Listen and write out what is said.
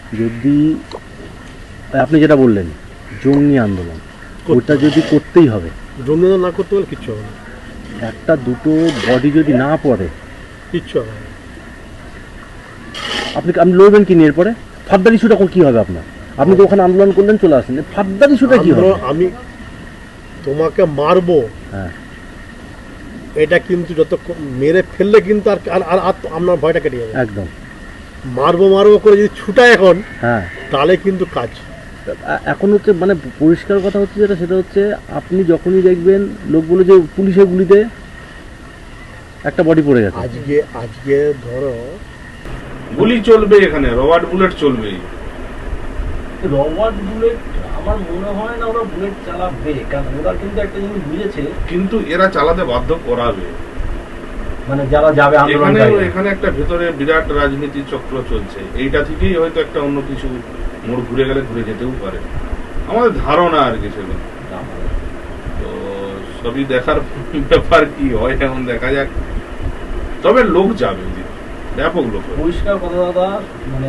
যদি আপনি যেটা বললেন জঙ্গি আন্দোলন, ওটা যদি করতেই হবে, জঙ্গি না করতে পারলে কিচ্ছু হবে না, একটা দুটো বডি যদি না পড়ে কিচ্ছু হবে না। আপনি লড়বেন কি নিয়ে? এরপরে ফাদ্দার ইস্যুটা কি হবে আপনার? আপনি তো ওখানে আন্দোলন করলেন, চলে আসেন, ফাদ্দার ইস্যুটা কি হবে? আমি তোমাকে মারবো, হ্যাঁ, এটা কিন্তু যত মেরে ফেললে কিন্তু আর আর আর আর আপনার ভয়টা কেটে যাবে। একদম। মারবো মারবো করে যদি ছুটায় এখন, হ্যাঁ, তাহলে কিন্তু কাজ। এখন হচ্ছে মানে পরিষ্কার কথা হচ্ছে যেটা, সেটা হচ্ছে আপনি যখনই দেখবেন লোকগুলো যে পুলিশের গুলিতে একটা বডি পড়ে গেছে, আজকে ধরো গুলি চলবে, এখানে রবার্ট বুলেট চলবে। রবার্ট বুলেট আমার মনে হয় না ওরা বুলেট চালাবে, কারণ ওরা কিন্তু একটা জিনিস বুঝেছে, কিন্তু এরা চালাতে বাধ্য করাবে। মানে যারা যাবে এখানে এখানে একটা ভেতরে বিরাট রাজনীতি চক্র চলছে, এইটা থেকেই হয়তো একটা অন্য কিছু মোড় ঘুরে গেলে ঘুরে যেতেও পারে, আমাদের ধারণা আর কি সেগুলো। তো সবই দেখার ব্যাপার, কি হয় এখন দেখা যাক। তবে লোক যাবে, ব্যাপক লোক। পরিষ্কার কথা দাদা, মানে